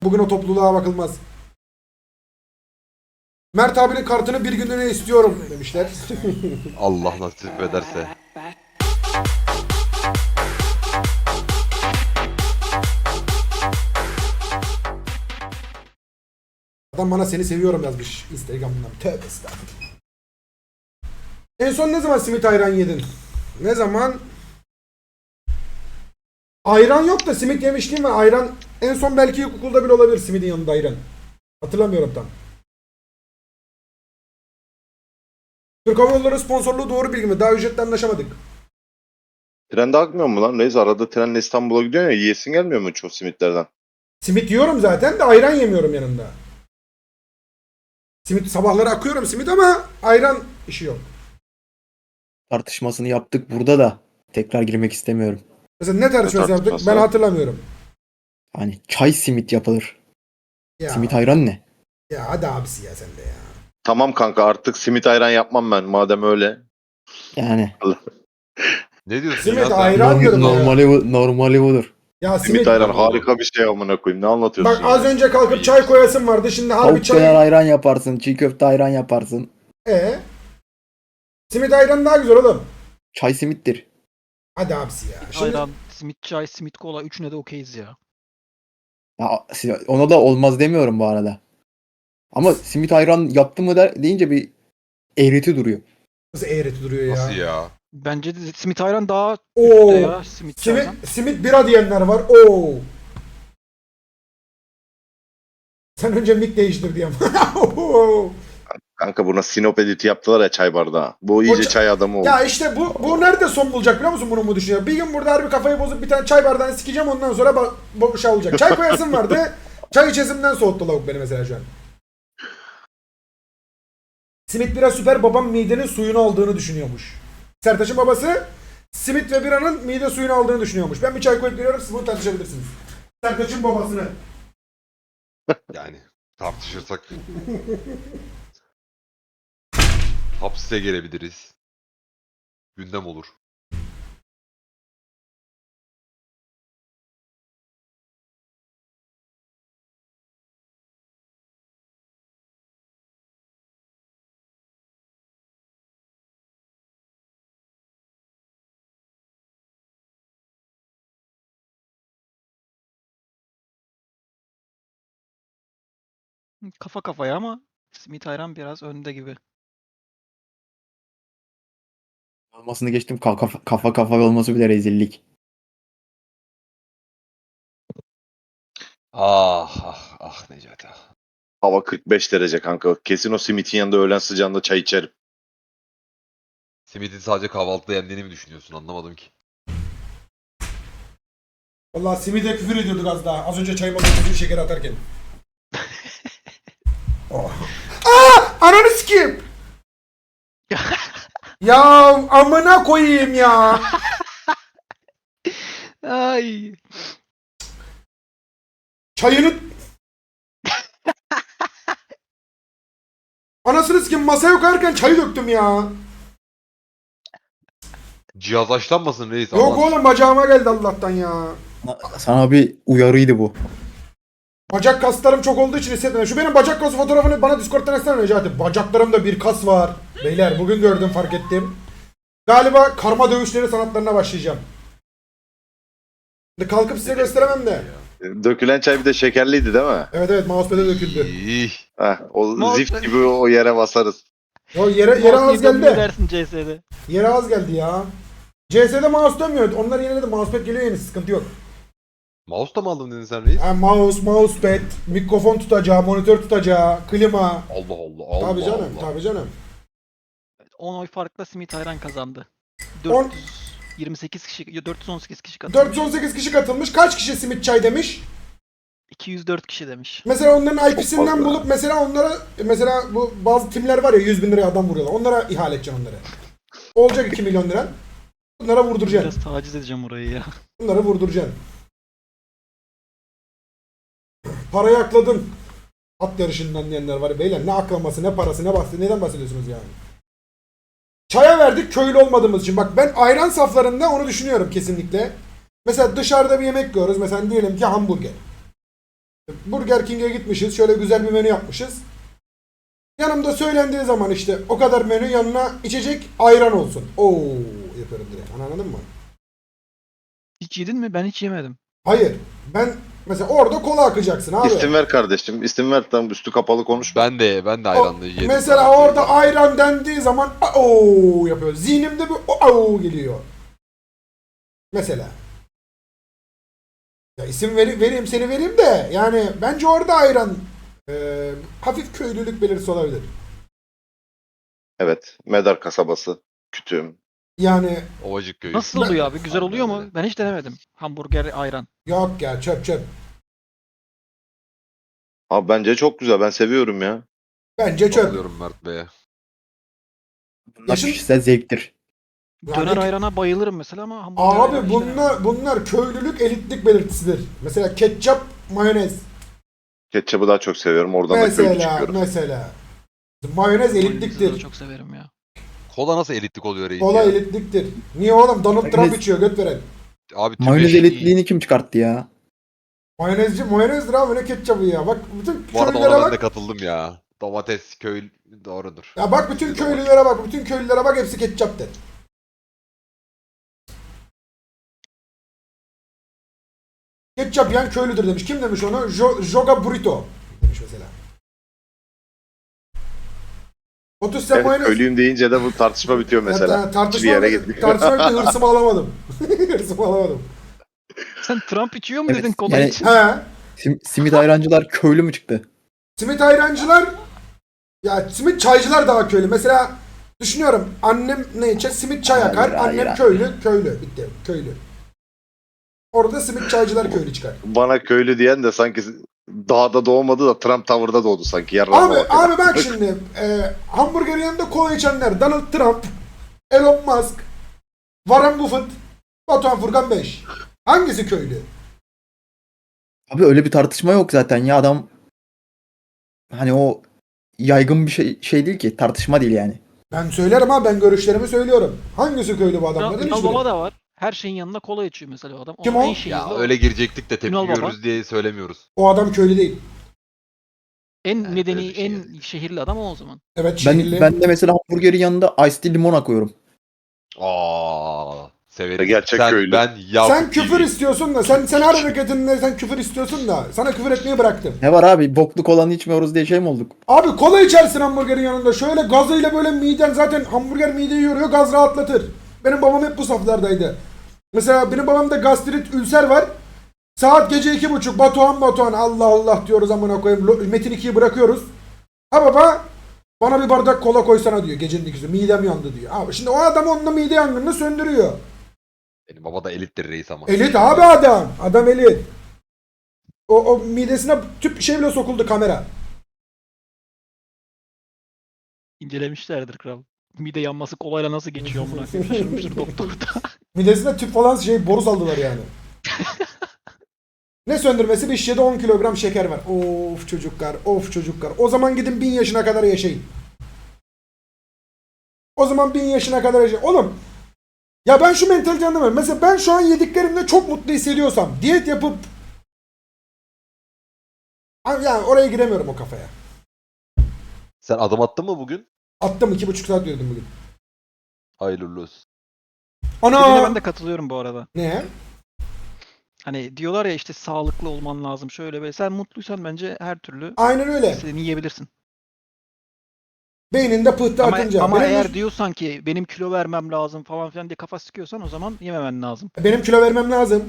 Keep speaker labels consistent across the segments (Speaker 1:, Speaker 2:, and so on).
Speaker 1: Bugün o topluluğa bakılmaz. Mert abinin kartını bir günlüğüne istiyorum demişler.
Speaker 2: Allah nasip ederse.
Speaker 1: Adam bana seni seviyorum yazmış Instagram'dan. Tövbe estağfurullah. En son ne zaman simit ayran yedin? Ne zaman? Ayran yok da simit yemişliğim var. Ayran en son belki ilkokulda bile olabilir simidin yanında ayran. Hatırlamıyorum tam. Türk Hava Yolları sponsorluğu doğru bilgi mi? Daha ücretle anlaşamadık.
Speaker 3: Trende akmıyor mu lan? Neyse arada trenle İstanbul'a gidiyorsun ya, yiyesin gelmiyor mu çok simitlerden?
Speaker 1: Simit yiyorum zaten de ayran yemiyorum yanında. Simit sabahları akıyorum simit ama ayran işi yok.
Speaker 4: Tartışmasını yaptık burada da tekrar girmek istemiyorum.
Speaker 1: Mesela ne tartışması yaptık
Speaker 3: tartışması?
Speaker 1: ben hatırlamıyorum.
Speaker 4: Hani çay simit yapılır.
Speaker 1: Ya,
Speaker 4: Simit ayran ne?
Speaker 1: ya hadi abisi ya sen de ya.
Speaker 3: Tamam kanka, artık simit ayran yapmam ben madem öyle.
Speaker 4: Yani
Speaker 2: Ne diyorsun
Speaker 1: Simit
Speaker 2: ya sen?
Speaker 1: ayran diyorum ya.
Speaker 4: normali budur.
Speaker 1: Ya
Speaker 3: Simit ayran harika bir şey amına koyayım. Ne anlatıyorsun
Speaker 1: Bak az
Speaker 3: ya?
Speaker 1: önce kalkıp çay koyasın vardı. Şimdi harbi
Speaker 4: Tavuk döner
Speaker 1: çay.
Speaker 4: ayran yaparsın, çiğ köfte ayran yaparsın.
Speaker 1: Simit ayran daha güzel oğlum.
Speaker 4: Çay simittir.
Speaker 1: Hadi abisi ya. Şimdi
Speaker 5: Ayran, simit çay, simit kola üçüne de okeyiz ya.
Speaker 4: Ya, ona da olmaz demiyorum bu arada. Ama simit ayran yaptı mı deyince bir eğreti duruyor.
Speaker 1: nasıl eğreti duruyor ya.
Speaker 2: Nasıl ya?
Speaker 5: Bence de simit ayran daha
Speaker 1: Oo.
Speaker 5: üstte ya. Simit çaydan.
Speaker 1: Simit bira diyenler var. Oo. Sen önce mik değiştir diyeyim.
Speaker 3: Kanka buna Sinop editi yaptılar ya çay bardağı. Bu iyice
Speaker 1: ça-
Speaker 3: çay adamı oldu.
Speaker 1: Ya işte bu nerede son bulacak biliyor musun bunu mu düşünüyor? Bir gün burada harbi kafayı bozup bir tane çay bardağını sikeceğim ondan sonra şey olacak. Çay koyasım vardı. Çay içesimden soğuttu lavuk beni mesela şu an. Simit bira süper babam midenin suyunu aldığını düşünüyormuş. Sertaç'ın babası simit ve biranın mide suyunu aldığını düşünüyormuş. Ben bir çay koyup geliyorum siz bunu tartışabilirsiniz. Sertaç'ın babasını.
Speaker 2: Yani tartışırsak hapse gelebiliriz. Gündem olur.
Speaker 5: Kafa kafaya ama simit ayran biraz önde gibi.
Speaker 4: Olmasını geçtim, kafa kafa olması bile rezillik.
Speaker 2: Ah ah ah Necati ah.
Speaker 3: Hava 45 derece kanka. Kesin o simitin yanında öğlen sıcağında çay içerim.
Speaker 2: Simidin sadece kahvaltıda yendiğini mi düşünüyorsun? Anlamadım ki.
Speaker 1: Vallahi simide küfür ediyorduk az daha. Az önce çayıma küfür şeker atarken. Oh. Aa! Ananı sikeyim! Ya amına koyayım ya.
Speaker 5: Ay.
Speaker 1: Çayını... Anasını sikeyim masaya koyarken çayı döktüm ya.
Speaker 2: Cihaz açlanmasın reis.
Speaker 1: Yok
Speaker 2: Allah.
Speaker 1: oğlum bacağıma geldi Allah'tan ya.
Speaker 4: Sana bir uyarıydı bu.
Speaker 1: Bacak kaslarım çok olduğu için hissetmedim. Şu benim bacak kası fotoğrafını bana Discord'dan etsene Necati. Bacaklarımda bir kas var. Beyler bugün gördüm fark ettim. Galiba karma dövüşleri sanatlarına başlayacağım. Şimdi kalkıp size gösteremem de.
Speaker 3: Dökülen çay bir de şekerliydi değil mi?
Speaker 1: Evet evet mousepad'e döküldü.
Speaker 2: İyi.
Speaker 3: Heh, o
Speaker 5: Mouse-
Speaker 3: zift gibi o yere basarız.
Speaker 1: O yere az
Speaker 5: Mouse
Speaker 1: geldi.
Speaker 5: dersin CS'de.
Speaker 1: Yere az geldi ya. CS'de mouse dönmüyor. Onlar yeniledi. Mousepad geliyor yeni sıkıntı yok.
Speaker 2: Mouse da mı aldın dedin sen reis?
Speaker 1: Yani mousepad, mikrofon tutacağı, monitör tutacağı, klima.
Speaker 2: Allah Allah Allah
Speaker 1: Tabii canım,
Speaker 2: Allah.
Speaker 1: tabii canım.
Speaker 5: 10 oy farkla simit ayran kazandı.
Speaker 1: On-
Speaker 5: 428 kişi, 418 kişi katılmış.
Speaker 1: 418 kişi katılmış. Kaç kişi simit çay demiş?
Speaker 5: 204 kişi demiş.
Speaker 1: Mesela onların IP'sinden
Speaker 3: fazla.
Speaker 1: bulup mesela onlara mesela bu bazı timler var ya 100 bin liraya adam vuruyorlar. Onlara ihale edeceksin onları. Olacak 2 milyon lira. Bunlara vurduracaksın.
Speaker 5: Biraz taciz edeceğim orayı ya.
Speaker 1: Bunları vurduracaksın. Parayı akladın. At yarışından diyenler var. Beyler ne aklaması, ne parası, ne bahsi, neden bahsediyorsunuz yani? Çaya verdik köylü olmadığımız için. Bak ben ayran saflarında onu düşünüyorum kesinlikle. Mesela dışarıda bir yemek yiyoruz. Mesela diyelim ki hamburger. Burger King'e gitmişiz. Şöyle güzel bir menü yapmışız. Yanımda söylendiği zaman işte o kadar menü yanına içecek ayran olsun. Oo yapıyorum direkt. Anladın mı?
Speaker 5: Hiç yedin mi? Ben hiç yemedim.
Speaker 1: Hayır. Ben mesela orada kola akacaksın abi.
Speaker 3: İsim ver kardeşim. İsim ver, tam üstü kapalı konuşma.
Speaker 2: Ben de ayranlı yedim.
Speaker 1: Mesela
Speaker 2: daha önce.
Speaker 1: orada ayran dendiği zaman oo yapıyor. Zihnimde bir oo geliyor. Mesela. Ya isim vereyim seni vereyim de yani bence orada ayran hafif köylülük belirtisi olabilir.
Speaker 3: Evet. Medar kasabası. Kütüğüm.
Speaker 1: Yani
Speaker 2: Ovacık köyü.
Speaker 5: Nasıl oluyor abi? Güzel oluyor mu?
Speaker 2: öyle.
Speaker 5: Ben hiç denemedim. Hamburger, ayran.
Speaker 1: yok ya çöp.
Speaker 3: Abi bence çok güzel. Ben seviyorum ya.
Speaker 1: Bence çöp.
Speaker 2: Alıyorum Mert Bey'e.
Speaker 4: Bunlar
Speaker 1: Yaşın-
Speaker 4: kişisel zevktir.
Speaker 1: Yani-
Speaker 5: Döner ayrana bayılırım mesela ama hamburger ayran
Speaker 1: Abi
Speaker 5: hiç denemedim.
Speaker 1: bunlar köylülük elitlik belirtisidir. Mesela ketçap, mayonez.
Speaker 3: Ketçabı daha çok seviyorum. Oradan da köylü
Speaker 1: Mesela
Speaker 3: çıkıyorum.
Speaker 1: mayonez
Speaker 5: Mayonezi de
Speaker 1: elitliktir.
Speaker 5: çok severim ya.
Speaker 2: Kola nasıl elitlik oluyor reis
Speaker 1: Kola
Speaker 2: ya?
Speaker 1: elitliktir. Niye oğlum Donald Trump
Speaker 4: Mayonez-
Speaker 1: içiyor göt veren.
Speaker 2: Abi
Speaker 4: Mayonez
Speaker 2: tübeş-
Speaker 4: elitliğini kim çıkarttı ya?
Speaker 1: Mayonezdir abi ne ketçabı ya. Bak bütün
Speaker 2: Bu arada
Speaker 1: köylülere
Speaker 2: ona ben de
Speaker 1: bak.
Speaker 2: katıldım ya. Domates köy doğrudur.
Speaker 1: Ya bak bütün köylülere bak. Bütün köylülere bak hepsi ketçap der. Ketçap yiyen köylüdür demiş. Kim demiş onu? Joga Burrito demiş mesela. 30 sen
Speaker 3: Evet,
Speaker 1: mayonez.
Speaker 3: köylüyüm deyince de bu tartışma bitiyor mesela. Hiçbir
Speaker 1: Tartışma
Speaker 3: yere gitmiyor.
Speaker 1: bitti, hırsımı alamadım. Hırsımı alamadım.
Speaker 5: Sen Trump içiyor mu
Speaker 4: Evet,
Speaker 5: dedin kola
Speaker 4: yani-
Speaker 5: için?
Speaker 1: He.
Speaker 4: Simit ayrancılar köylü mü çıktı?
Speaker 1: Simit ayrancılar ya simit çaycılar daha köylü. Mesela düşünüyorum annem ne içer? Simit çay
Speaker 4: Hayır,
Speaker 1: akar.
Speaker 4: hayır,
Speaker 1: Annem
Speaker 4: hayır.
Speaker 1: köylü. Bitti. Köylü. Orada simit çaycılar köylü çıkar.
Speaker 3: Bana köylü diyen de sanki dağda doğmadı da Trump Tower'da doğdu sanki. Yarrağıma
Speaker 1: Abi,
Speaker 3: bak ya.
Speaker 1: abi bak şimdi hamburgerin yanında kola içenler Donald Trump, Elon Musk, Warren Buffett, Batuhan Furkan 5. Hangisi köylü?
Speaker 4: Abi öyle bir tartışma yok zaten ya, adam hani o yaygın bir şey değil ki, tartışma değil yani.
Speaker 1: Ben söylerim ha, ben görüşlerimi söylüyorum. Hangisi köylü bu adamların?
Speaker 5: Ünal
Speaker 1: Hiçbiri.
Speaker 5: Baba da var. Her şeyin yanında kola içiyor mesela o adam.
Speaker 1: Kim
Speaker 5: Onun
Speaker 1: o?
Speaker 5: en şehirli
Speaker 2: Ya
Speaker 5: o.
Speaker 2: öyle girecektik de tepki
Speaker 5: Ünal Baba.
Speaker 2: görürüz diye söylemiyoruz.
Speaker 1: O adam köylü değil.
Speaker 5: En
Speaker 2: Evet,
Speaker 5: medeni,
Speaker 2: öyle bir şey
Speaker 5: en
Speaker 2: yani.
Speaker 5: şehirli adam o zaman.
Speaker 1: Evet şehirli.
Speaker 4: Ben de mesela hamburgerin yanında iced tea limon akıyorum.
Speaker 2: Severim.
Speaker 3: Gerçek
Speaker 2: Sen,
Speaker 3: köylü.
Speaker 2: Ben Yakup
Speaker 1: Sen küfür
Speaker 2: gibi.
Speaker 1: istiyorsun da sen her hareketinde sen küfür istiyorsun da sana küfür etmeyi bıraktım.
Speaker 4: Ne var abi, bokluk olanı içmiyoruz diye şey mi olduk?
Speaker 1: Abi kola içersin hamburgerin yanında. Şöyle gazıyla böyle miden zaten hamburger mideyi yoruyor, gaz rahatlatır. Benim babam hep bu saflardaydı. Mesela benim babamda gastrit, ülser var. Saat gece 2.30 Batuhan Allah Allah diyoruz amına koyayım. Metin 2'yi bırakıyoruz. Ha baba bana bir bardak kola koysana diyor gecenin ikisi. Midem yandı diyor. Abi şimdi o adam onunla mide yangınını söndürüyor.
Speaker 2: Benim baba da elittir reis ama.
Speaker 1: Elit abi adam. Adam elit. O midesine tüp şey bile sokuldu kamera.
Speaker 5: İncelemişlerdir kral. Mide yanması kolayla nasıl geçiyor amına koyayım. Şaşırmıştır doktor da.
Speaker 1: Midesine tüp falan şey boru saldılar yani. Ne söndürmesi? Bir şişede 10 kilogram şeker var. Of çocuklar, of çocuklar. O zaman gidin 1000 yaşına kadar yaşayın. O zaman 1000 yaşına kadar yaşayın. Oğlum, ya ben şu mentaliteyi anlamıyorum. Mesela ben şu an yediklerimle çok mutlu hissediyorsam, diyet yapıp yani oraya giremiyorum o kafaya.
Speaker 2: Sen adım attın mı bugün?
Speaker 1: Attım 2,5 saat diyordum bugün.
Speaker 2: Hayırlı olsun.
Speaker 5: Dediğine
Speaker 1: Ana!
Speaker 5: ben de katılıyorum bu arada.
Speaker 1: Ne?
Speaker 5: Hani diyorlar ya işte sağlıklı olman lazım şöyle böyle. Sen mutluysan bence her türlü
Speaker 1: Aynen öyle.
Speaker 5: istediğini yiyebilirsin.
Speaker 1: Beyninde pıhtı
Speaker 5: Ama,
Speaker 1: atınca.
Speaker 5: ama
Speaker 1: benim,
Speaker 5: eğer diyorsan ki benim kilo vermem lazım falan filan diye kafa sıkıyorsan o zaman yememen lazım.
Speaker 1: benim kilo vermem lazım.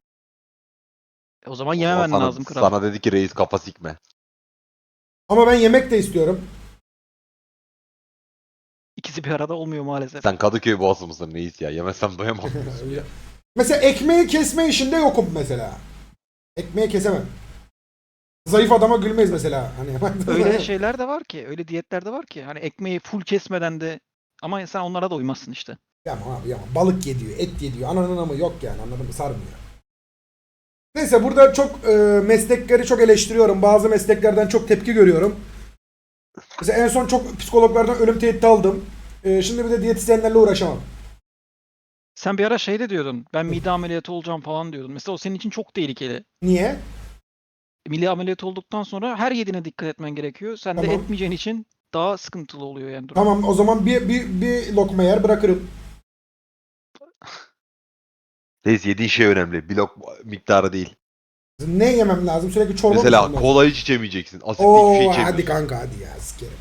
Speaker 5: O zaman
Speaker 2: O
Speaker 5: yememen
Speaker 2: zaman
Speaker 5: lazım kral.
Speaker 2: Sana dedi ki reis kafa sikme.
Speaker 1: Ama ben yemek de istiyorum.
Speaker 5: İkisi bir arada olmuyor maalesef.
Speaker 2: Sen Kadıköy boğası mısın reis ya? Yemezsem doyamam diyorsun ya.
Speaker 1: Mesela ekmeği kesme işinde yokum mesela. Ekmeği kesemem. Zayıf adama gülmeyiz mesela. Hani
Speaker 5: Öyle şeyler de var ki, öyle diyetler de var ki. Hani ekmeği full kesmeden de ama sen onlara da uymazsın işte.
Speaker 1: Yama abi yama. Balık ye diyor, et ye diyor. Ananın ama yok yani, anladın mı? Sarmıyor. Neyse burada çok meslekleri çok eleştiriyorum. Bazı mesleklerden çok tepki görüyorum. Mesela en son çok psikologlardan ölüm tehdidi aldım. Şimdi bir de diyetisyenlerle uğraşamam.
Speaker 5: Sen bir ara şey de diyordun. Ben mide ameliyatı olacağım falan diyordun. Mesela o senin için çok tehlikeli.
Speaker 1: Niye?
Speaker 5: milli ameliyat olduktan sonra her yediğine dikkat etmen gerekiyor. Sen de
Speaker 1: Tamam.
Speaker 5: etmeyeceğin için daha sıkıntılı oluyor yani durum.
Speaker 1: Tamam o zaman bir lokma yer bırakırım.
Speaker 2: Reis yediğin şey önemli. Blok miktarı değil.
Speaker 1: Ne yemem lazım? Sürekli çorba mı
Speaker 2: Mesela
Speaker 1: içmem lazım?
Speaker 2: kola hiç içemeyeceksin. Asitli hiçbir şey
Speaker 1: Oo
Speaker 2: içemiyorsun.
Speaker 1: hadi kanka hadi ya sikerim.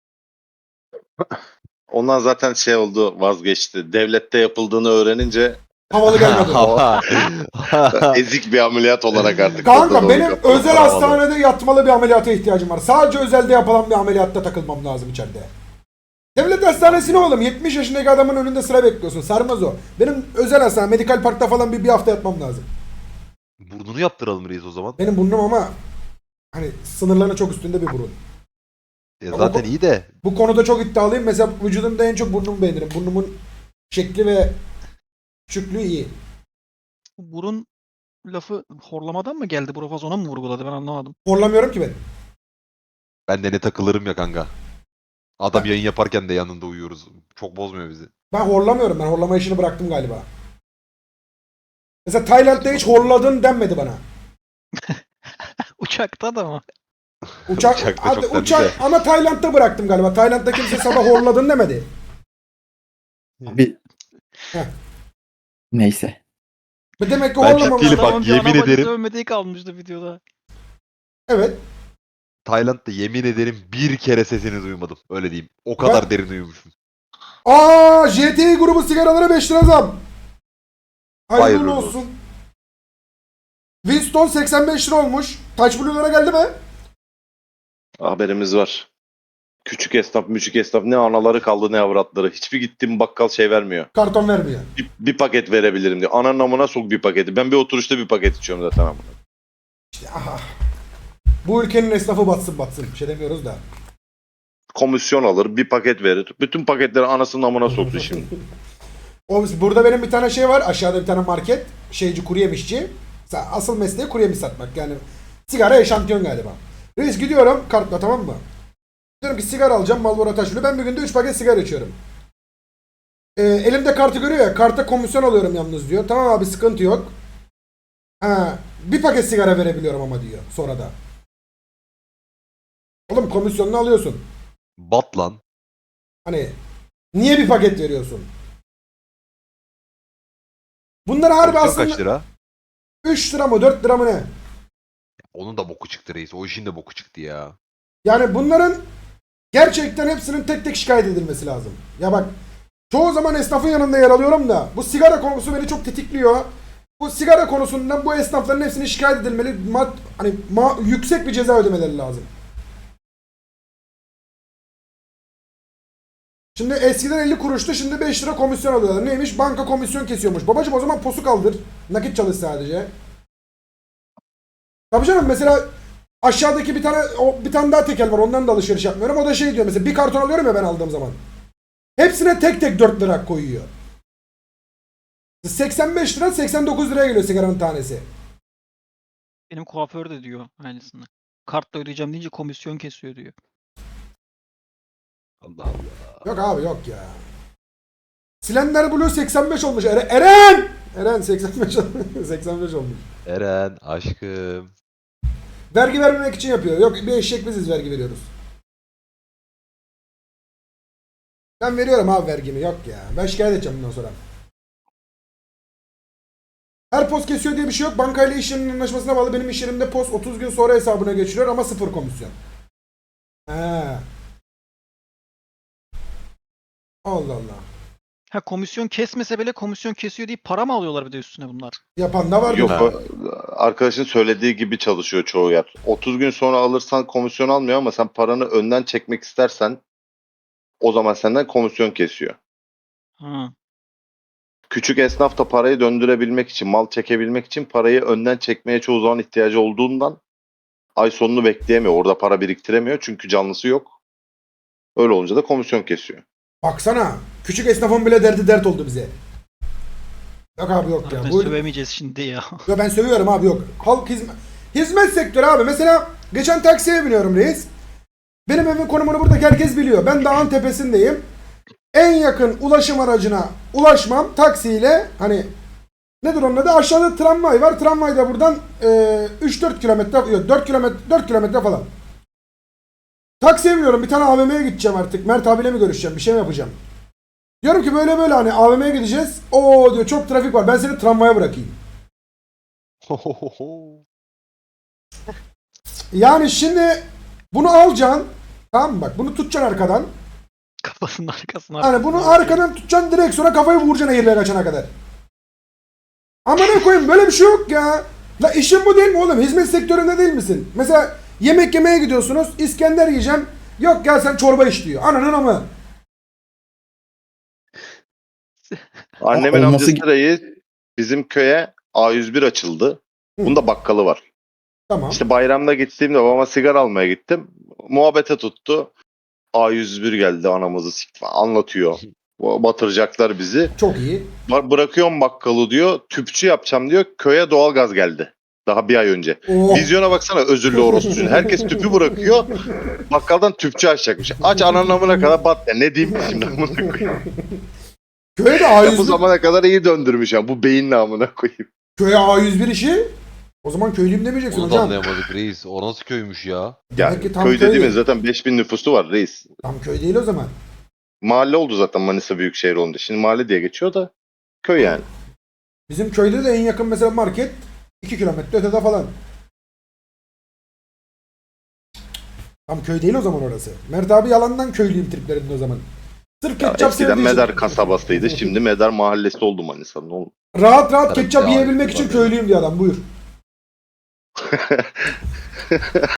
Speaker 3: Ondan zaten şey oldu, vazgeçti. Devlette yapıldığını öğrenince
Speaker 1: Havalı gelmedi.
Speaker 3: ezik bir ameliyat olarak artık.
Speaker 1: Kanka
Speaker 3: orada
Speaker 1: benim
Speaker 3: kapalı
Speaker 1: özel
Speaker 3: kalamadı.
Speaker 1: hastanede yatmalı bir ameliyata ihtiyacım var. Sadece özelde yapılan bir ameliyatta takılmam lazım içeride. Devlet hastanesi ne oğlum? 70 yaşındaki adamın önünde sıra bekliyorsun. Sarmaz o. Benim özel hastane, Medikal Park'ta falan bir hafta yatmam lazım.
Speaker 2: Burnunu yaptıralım reis o zaman.
Speaker 1: Benim burnum ama hani sınırlarının çok üstünde bir burun.
Speaker 2: Zaten iyi de
Speaker 1: Bu konuda çok iddialıyım. Mesela vücudumda en çok burnumu beğenirim. Burnumun şekli ve küçüklüğü iyi.
Speaker 5: Burun lafı horlamadan mı geldi? Profaz ona mı vurguladı? Ben anlamadım.
Speaker 1: Horlamıyorum ki ben.
Speaker 2: ben de ne takılırım ya kanka. Adam yayın yaparken de yanında uyuyoruz. Çok bozmuyor bizi.
Speaker 1: Ben horlamıyorum. Ben horlama işini bıraktım galiba. Mesela Tayland'da hiç horladın denmedi bana.
Speaker 5: Uçakta da mı?
Speaker 1: Uçak,
Speaker 2: Uçakta çok dendi
Speaker 1: uçak
Speaker 2: de.
Speaker 1: ama Tayland'da bıraktım galiba. Tayland'da kimse sabah horladın demedi.
Speaker 4: Abi.
Speaker 1: Heh.
Speaker 4: Neyse.
Speaker 1: Demek ki
Speaker 2: Ben
Speaker 1: horlamam.
Speaker 2: ciddi değilim. Bak,
Speaker 5: Adamın bir
Speaker 2: yemin
Speaker 5: ana bacısı
Speaker 2: ederim.
Speaker 5: övmediği kalmıştı videoda.
Speaker 1: Evet.
Speaker 2: Tayland'da yemin ederim bir kere sesini duymadım. Öyle diyeyim. O kadar derin uyumuşum.
Speaker 1: Aa, JTI grubu sigaralara 5 lira zam. Hayırlı
Speaker 2: Hayırlı
Speaker 1: olsun. Winston 85 lira olmuş. Touch Blue'lara geldi mi?
Speaker 3: Haberimiz var. Küçük esnaf, müçük esnaf ne anaları kaldı ne avratları. Hiçbir gittiğim bakkal şey vermiyor.
Speaker 1: Karton vermiyor.
Speaker 3: Bir paket verebilirim diyor. Ananın amına sok bir paketi. Ben bir oturuşta bir paket içiyorum zaten amına.
Speaker 1: İşte aha. Bu ülkenin esnafı batsın batsın. Bir şey demiyoruz da.
Speaker 3: Komisyon alır, bir paket verir. Bütün paketleri anasının amına soktu şimdi.
Speaker 1: Burada benim bir tane şey var. Aşağıda bir tane market. Şeyci, kuru yemişçi. Asıl mesleği kuru yemiş satmak. Yani sigara eşantiyon galiba. Reis gidiyorum kartla, tamam mı? Diyorum ki sigara alacağım Marlboro Taşlı. Ben bir günde 3 paket sigara içiyorum. Elimde kartı görüyor ya. Karta komisyon alıyorum yalnız diyor. Tamam abi sıkıntı yok. Ha, bir paket sigara verebiliyorum ama diyor sonra da. Oğlum komisyonunu alıyorsun.
Speaker 2: Bat lan.
Speaker 1: Hani niye bir paket veriyorsun? Bunlar harbi
Speaker 2: Komisyon
Speaker 1: aslında
Speaker 2: kaç lira?
Speaker 1: 3 lira mı 4 lira mı ne?
Speaker 2: Onun da boku çıktı reis. O işin de boku çıktı ya.
Speaker 1: Yani bunların gerçekten hepsinin tek tek şikayet edilmesi lazım. Ya bak çoğu zaman esnafın yanında yer alıyorum da bu sigara konusu beni çok tetikliyor. Bu sigara konusundan bu esnafların hepsini şikayet edilmeli. Yüksek bir ceza ödemeleri lazım. Şimdi eskiden 50 kuruştu, şimdi 5 lira komisyon alıyorlar. Neymiş? Banka komisyon kesiyormuş. Babacım o zaman posu kaldır. Nakit çalış sadece. Tabii canım, mesela aşağıdaki bir tane daha tekel var. Ondan da alışveriş yapmıyorum. O da şey diyor mesela, bir karton alıyorum ya ben aldığım zaman. Hepsine tek tek 4 lira koyuyor. 85 lira 89 liraya geliyor sigaranın tanesi.
Speaker 5: Benim kuaför de diyor aynısını. Kartla ödeyeceğim deyince komisyon kesiyor diyor.
Speaker 2: Allah Allah.
Speaker 1: Yok abi yok ya. Slender Blue 85 olmuş. Eren! Eren 85 85 olmuş.
Speaker 2: Eren aşkım.
Speaker 1: Vergi vermemek için yapıyor. Yok bir eşek biziz vergi veriyoruz. Ben veriyorum abi vergimi. Yok ya. Ben şikayet edeceğim bundan sonra. Her post kesiyor diye bir şey yok. Bankayla iş yerinin anlaşmasına bağlı. Benim iş yerimde post 30 gün sonra hesabına geçiriyor ama 0 komisyon. He. Allah Allah.
Speaker 5: Ha, komisyon kesmese bile komisyon kesiyor deyip para mı alıyorlar bir de üstüne bunlar?
Speaker 1: Yapan da var.
Speaker 3: Yok
Speaker 2: Ha.
Speaker 3: arkadaşın söylediği gibi çalışıyor çoğu yer. 30 gün sonra alırsan komisyon almıyor ama sen paranı önden çekmek istersen o zaman senden komisyon kesiyor.
Speaker 5: Ha.
Speaker 3: Küçük esnaf da parayı döndürebilmek için, mal çekebilmek için parayı önden çekmeye çoğu zaman ihtiyacı olduğundan ay sonunu bekleyemiyor. Orada para biriktiremiyor çünkü canlısı yok. Öyle olunca da komisyon kesiyor.
Speaker 1: Baksana. Küçük esnafın bile derdi dert oldu bize. Yok abi yok ya.
Speaker 5: Zaten
Speaker 1: Bu...
Speaker 5: sövemeyeceğiz şimdi ya.
Speaker 1: Yo ben sövüyorum abi yok. Halk hizmet sektörü abi. Mesela geçen taksiye biniyorum reis. Benim evin konumunu buradaki herkes biliyor. Ben dağın tepesindeyim. En yakın ulaşım aracına ulaşmam taksiyle, hani Nedir onun adı? Aşağıda tramvay var. Tramvay da buradan 3-4 kilometre, yok 4 kilometre falan. Taksiye biniyorum. Bir tane AVM'ye gideceğim artık. Mert abiyle mi görüşeceğim? Bir şey mi yapacağım? Diyorum ki böyle böyle hani AVM'ye gideceğiz. Oo diyor çok trafik var. Ben seni tramvaya bırakayım. Yani şimdi bunu alacaksın. Tamam mı? Bak bunu tutacaksın arkadan.
Speaker 5: Kafasının arkasına.
Speaker 1: Hani bunu arkadan tutacaksın direkt sonra kafayı vuracaksın eğirliğe kaçana kadar. Ama ne koyayım böyle bir şey yok ya. La işin bu değil mi oğlum? Hizmet sektöründe değil misin? Mesela yemek yemeye gidiyorsunuz. İskender yiyeceğim. Yok gel sen çorba iç diyor. Ananın ama.
Speaker 3: Annemin
Speaker 4: olması-
Speaker 3: amcası reis bizim köye A101 açıldı. Bunda bakkalı var.
Speaker 1: Tamam.
Speaker 3: İşte bayramda gittiğimde babama sigara almaya gittim. Muhabbete tuttu. A101 geldi anamızı sikti falan anlatıyor. Batıracaklar bizi.
Speaker 1: Çok iyi.
Speaker 3: Bırakıyorum bakkalı diyor. Tüpçü yapacağım diyor. Köye doğalgaz geldi. Daha bir ay önce.
Speaker 1: Oh.
Speaker 3: Vizyona baksana özürlü orospucun. Herkes tüpü bırakıyor. Bakkaldan tüpçü açacakmış. Aç ananın amına kadar bat ya. Ne diyeyim ki şimdi amına koyayım.
Speaker 1: Köye de
Speaker 3: Ya bu
Speaker 1: A101,
Speaker 3: zamana kadar iyi döndürmüş ya. Bu beyinle amına koyayım.
Speaker 1: köye A101 işi. O zaman köylüyüm demeyeceksin
Speaker 2: Onu da
Speaker 1: hocam.
Speaker 2: anlayamadık reis. O nasıl köymüş ya?
Speaker 3: Ya
Speaker 1: Demek ki tam
Speaker 3: köy
Speaker 1: köy
Speaker 3: dediğimiz
Speaker 1: değil.
Speaker 3: zaten 5000 nüfusu var reis.
Speaker 1: Tam köy değil o zaman.
Speaker 3: Mahalle oldu zaten Manisa Büyükşehir olunca. Şimdi mahalle diye geçiyor da köy yani.
Speaker 1: Bizim köyde de en yakın mesela market 2 kilometre ötede falan. Tam köy değil o zaman orası. Mert abi yalandan köylüyüm triplerinde o zaman. Sırf
Speaker 3: Ya
Speaker 1: ketçap
Speaker 3: eskiden
Speaker 1: sevdiği için.
Speaker 3: Medar kasabasıydı. Şimdi Medar mahallesi oldu Manisa'nın. Oğlum.
Speaker 1: Rahat rahat
Speaker 2: Tabii
Speaker 1: ketçap
Speaker 2: ya,
Speaker 1: yiyebilmek için
Speaker 2: tabii.
Speaker 1: köylüyüm diyor adam buyur.